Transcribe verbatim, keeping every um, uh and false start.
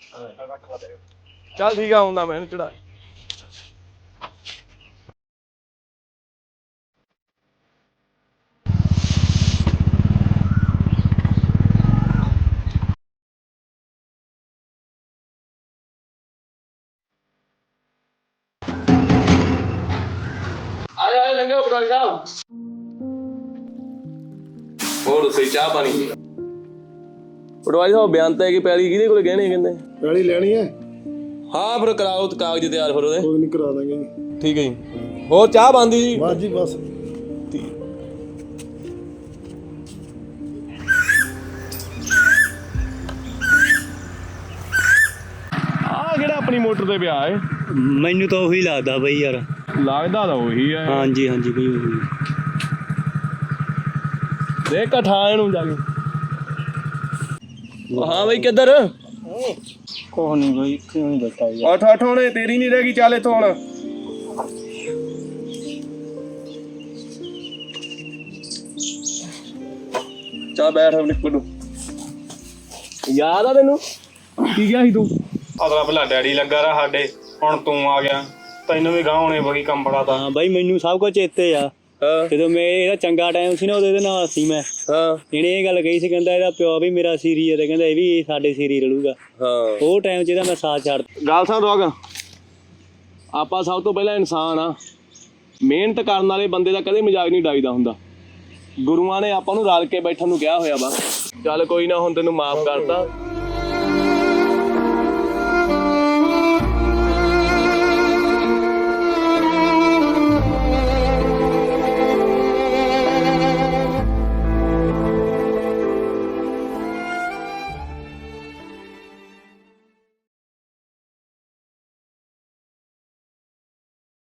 ਚੱਲ ਠੀਕ ਆ, ਆਉਂਦਾ ਮੈਂ ਇਹਨੂੰ ਚੜਾ। ਆਇਆ ਆਇਆ ਲੰਗਾ ਪਟਵਾਰੀ ਸਾਹਿਬ। ਹੋਰ ਸਹੀ ਚਾਹ ਪਾਣੀ ਪਟਵਾਰੀ ਸਾਹਿਬ ਬਿਆਨ ਤਾਂ ਹੈ ਕਿ ਪੈਲੀ ਕਿਹਦੇ ਕੋਲ ਗਹਿਣੇ ਕਹਿੰਦੇ ਪੈਲੀ ਲੈਣੀ ਹੈ। ਹਾਂ ਫਿਰ ਕਰਾਓ ਕਾਗਜ਼ ਤਿਆਰ ਫਿਰ ਉਹਦੇ। ਕੋਈ ਨਹੀਂ ਕਰਾ ਦਾਂਗੇ ਜੀ। ਠੀਕ ਹੈ ਜੀ। ਹੋਰ ਚਾਹ ਬਣਦੀ ਜੀ? ਬਸ ਜੀ ਬਸ। ਆਹ ਕਿਹੜਾ ਆਪਣੀ ਮੋਟਰ ਤੇ ਪਿਆ ਏ? ਮੈਨੂੰ ਤਾਂ ਉਹੀ ਲੱਗਦਾ ਬਈ ਯਾਰ। ਲੱਗਦਾ ਤਾਂ ਉਹੀ ਹੈ। ਹਾਂਜੀ ਹਾਂਜੀ ਬਈ ਉਹੀ। ਦੇਖ ਠਾ ਇਹਨੂੰ ਜਾ ਕੇ। ਹਾਂ ਬਈ ਕਿੱਧਰ? ਕੋਹ ਨਹੀਂ ਬਈ, ਕਿਉਂ ਨਹੀਂ ਬਤਾ ਯਾਰ। ਅੱਠ ਅੱਠ ਹੋਣੇ, ਤੇਰੀ ਨਹੀਂ ਰਹਿ ਗਈ। ਚੱਲ ਇੱਥੋਂ ਹੁਣ। ਚਾ ਬੈਠ ਨਿਕਲ ਨੂੰ। ਯਾਦ ਆ ਤੈਨੂੰ ਕੀ ਗਿਆ ਸੀ ਤੂੰ? ਅਗਲਾ ਭਲਾ ਡੈਡੀ ਲੱਗਾ ਰਿਹਾ ਸਾਡੇ, ਹੁਣ ਤੂੰ ਆ ਗਿਆ। ਤੈਨੂੰ ਵੀ ਗਾਹ ਹੋਣੇ ਬਗੀ ਕੰਮ ਬੜਾ ਤਾਂ। ਹਾਂ ਬਾਈ ਮੈਨੂੰ ਸਭ ਕੁਝ ਚੇਤੇ ਆ। ਜਦੋਂ ਮੈਂ ਇਹਦਾ ਚੰਗਾ ਟਾਈਮ ਸੀ ਨਾ ਉਹਦੇ ਨਾਲ ਸੀ ਮੈਂ। ਹਾਂ ਇਹਨੇ ਇਹ ਗੱਲ ਕਹੀ ਸੀ, ਕਹਿੰਦਾ ਇਹਦਾ ਪਿਓ ਵੀ ਮੇਰਾ ਸੀਰੀ ਹੈ ਤੇ ਕਹਿੰਦਾ ਇਹ ਵੀ ਸਾਡੇ ਸੀਰੀ ਰਲੂਗਾ। ਹਾਂ ਉਹ ਟਾਈਮ 'ਚ ਇਹਦਾ ਮੈਂ ਸਾਥ ਛੱਡ। ਗੱਲ ਸੁਣ ਰੋਗ, ਆਪਾਂ ਸਭ ਤੋਂ ਪਹਿਲਾਂ ਇਨਸਾਨ ਆ। ਮਿਹਨਤ ਕਰਨ ਵਾਲੇ ਬੰਦੇ ਦਾ ਕਦੇ ਮਜ਼ਾਕ ਨਹੀਂ ਉਡਾਈਦਾ ਹੁੰਦਾ। ਗੁਰੂਆਂ ਨੇ ਆਪਾਂ ਨੂੰ ਰਲ ਕੇ ਬੈਠਣ ਨੂੰ ਕਿਹਾ ਹੋਇਆ ਵਾ। ਚੱਲ ਕੋਈ ਨਾ, ਹੁਣ ਤੈਨੂੰ ਮਾਫ ਕਰਤਾ।